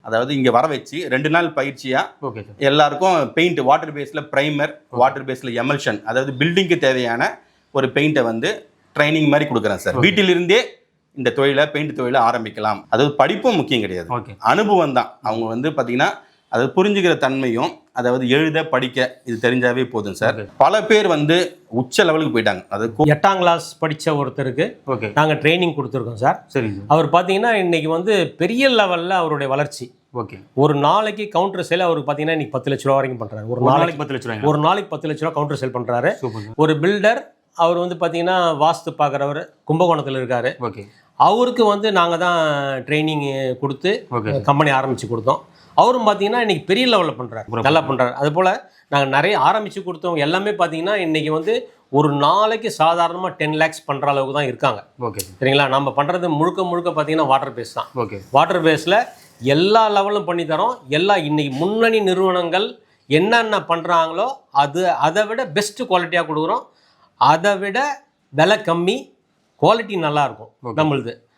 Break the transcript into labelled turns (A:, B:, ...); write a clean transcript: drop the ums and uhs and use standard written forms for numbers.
A: அதாவது இங்கே வர வச்சு 2 நாள் பயிற்சியாக எல்லாருக்கும் பெயிண்ட் வாட்டர் பேஸில் ப்ரைமர், வாட்டர் பேஸில் எமல்ஷன், அதாவது பில்டிங்க்கு தேவையான ஒரு பெயிண்ட்டை வந்து ட்ரைனிங் மாதிரி கொடுக்குறேன் சார். வீட்டிலிருந்தே இந்த தொழிலை பெயிண்ட் தொழிலை ஆரம்பிக்கலாம். அதாவது படிப்பும் முக்கியம் கிடையாது, அனுபவம் தான். அவங்க வந்து பார்த்தீங்கன்னா அதாவது புரிஞ்சுக்கிற தன்மையும், அதாவது எழுத படிக்க இது தெரிஞ்சாவே போதும் சார். பல பேர் வந்து உச்ச லெவலுக்கு போயிட்டாங்க. அது
B: 8ஆம் கிளாஸ் படித்த ஒருத்தருக்கு நாங்கள் ட்ரைனிங் கொடுத்துருக்கோம் சார். சரி, அவர் பார்த்தீங்கன்னா இன்னைக்கு வந்து பெரிய லெவலில் அவருடைய வளர்ச்சி. ஒரு நாளைக்கு கவுண்டர் சேல் அவருக்கு பார்த்தீங்கன்னா இன்னைக்கு 10 லட்ச ரூபா வரைக்கும் பண்ணுறாரு. ஒரு நாளைக்கு 10 லட்ச ரூபா, ஒரு நாளைக்கு 10 லட்ச ரூபா கவுண்டர் சேல் பண்ணுறாரு. ஒரு பில்டர், அவர் வந்து பார்த்தீங்கன்னா வாஸ்து பார்க்குறவர், கும்பகோணத்தில் இருக்காரு. அவருக்கு வந்து நாங்கள் தான் ட்ரைனிங் கொடுத்து கம்பெனி ஆரம்பித்து கொடுத்தோம். அவரும் பார்த்தீங்கன்னா இன்றைக்கி பெரிய லெவலில் பண்ணுறாரு, நல்லா பண்ணுறாரு. அதுபோல் நாங்கள் நிறைய ஆரம்பித்து கொடுத்தவங்க எல்லாமே பார்த்தீங்கன்னா இன்றைக்கி வந்து ஒரு நாளைக்கு சாதாரணமாக 10 lakhs பண்ணுற அளவுக்கு தான் இருக்காங்க. சரிங்களா? நம்ம பண்ணுறது முழுக்க பார்த்தீங்கன்னா வாட்டர் பேஸ் தான். வாட்டர் பேஸில் எல்லா லெவலும் பண்ணித்தரோம். இன்றைக்கி முன்னணி நிறுவனங்கள் என்னென்ன பண்ணுறாங்களோ அதை விட பெஸ்ட்டு குவாலிட்டியாக கொடுக்குறோம். அதை விட விலை கம்மி, குவாலிட்டி நல்லாயிருக்கும் நம்மளுது.